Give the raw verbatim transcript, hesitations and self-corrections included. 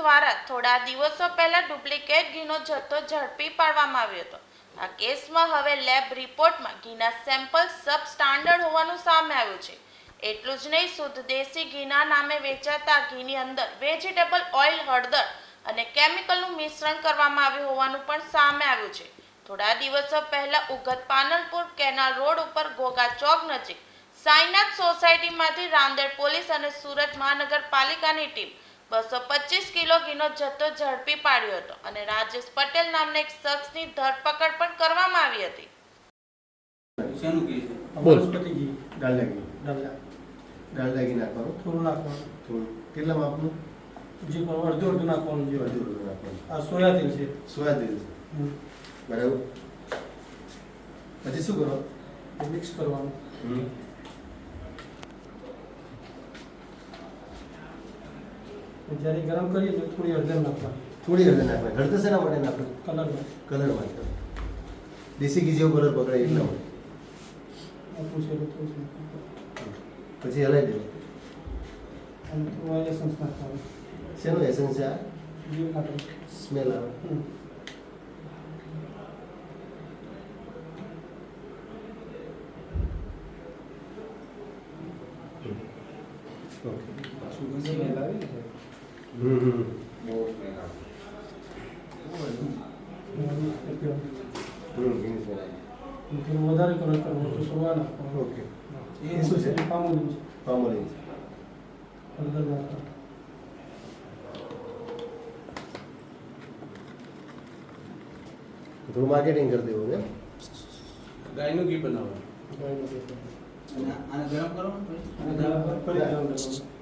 દ્વારા થોડા દિવસો પહેલા ડુપ્લિકેટ ઘીનો જથ્થો ઝડપી પાડવામાં આવ્યો હતો। આ કેસમાં હવે લેબ રિપોર્ટમાં ઘીના સેમ્પલ સબ સ્ટાન્ડર્ડ હોવાનું સામે આવ્યું છે। એટલું જ નહીં, શુદ્ધ દેશી ઘીના નામે વેચાતા ઘીની અંદર વેજીટેબલ ઓઇલ, હળદર અને કેમિકલનું મિશ્રણ કરવામાં આવ્યું હોવાનું પણ સામે આવ્યું છે। થોડા દિવસો પહેલા ઉગત પાનલપુર કેનાલ રોડ ઉપર ઘોઘા ચોક નજીક સાઈનાથ સોસાયટીમાંથી રાંદેર પોલીસ અને સુરત મહાનગરપાલિકાની ટીમ બસો પચીસ કિલો ઘીનો જથ્થો ઝડપી પાડ્યો હતો અને રાજેશ પટેલ નામના એક શખ્સની ધરપકડ પણ કરવામાં આવી હતી। શેનું ઘી છે? વનસ્પતિ ઘી, ડાલડા ઘી, ડાલડા ડાલડા ઘી નાખવાનું, થોડું નાખવાનું, થોડું કેટલા માપનું? જે પણ અડધું અડધું નાખવાનું, જે અડધું અડધું નાખવાનું। આ સોયા તેલ છે, સોયા તેલ છે, હમ. બરાબર। પછી શું કરો? એ મિક્સ કરવાનું। હમ જ્યારે ગરમ કરીએ તો થોડી હળદર નાખવાની, થોડી હળદર નાખવાની। હળદર શેના માટે નાખવું? કલરમાં કલર માટે, દેશી ઘી જેવો કલર પકડાય એટલા માટે। આપવું છે તો થોડું નાખવાનું. પછી હલાવી દેવું। અને થોડું એસન્સ નાખવાનું, શેનું એસન્સ છે? આ ઘી માટે સ્મેલ આવે। હમ. ઓકે। સુગંધ સ્મેલ આવે છે? હમ હમ બહુ સ્મેલ આવે એટલે હમ ઘી સ્મેલ આવે। થોડું વધારે કલર કરવો તો સોયા નાખવાનું। ઓકે। એ એ શું છે? પામોલીન છે, પામોલીન છે। હળદર નાખવાનું। થોડું માર્કેટિંગ કરી દેવું ને। ગાયનું ઘી બનાવવાનું ગાયનું ઘી. અને આને ગરમ કરવાનું પછી? અને ગરમ કરી દેવાનું.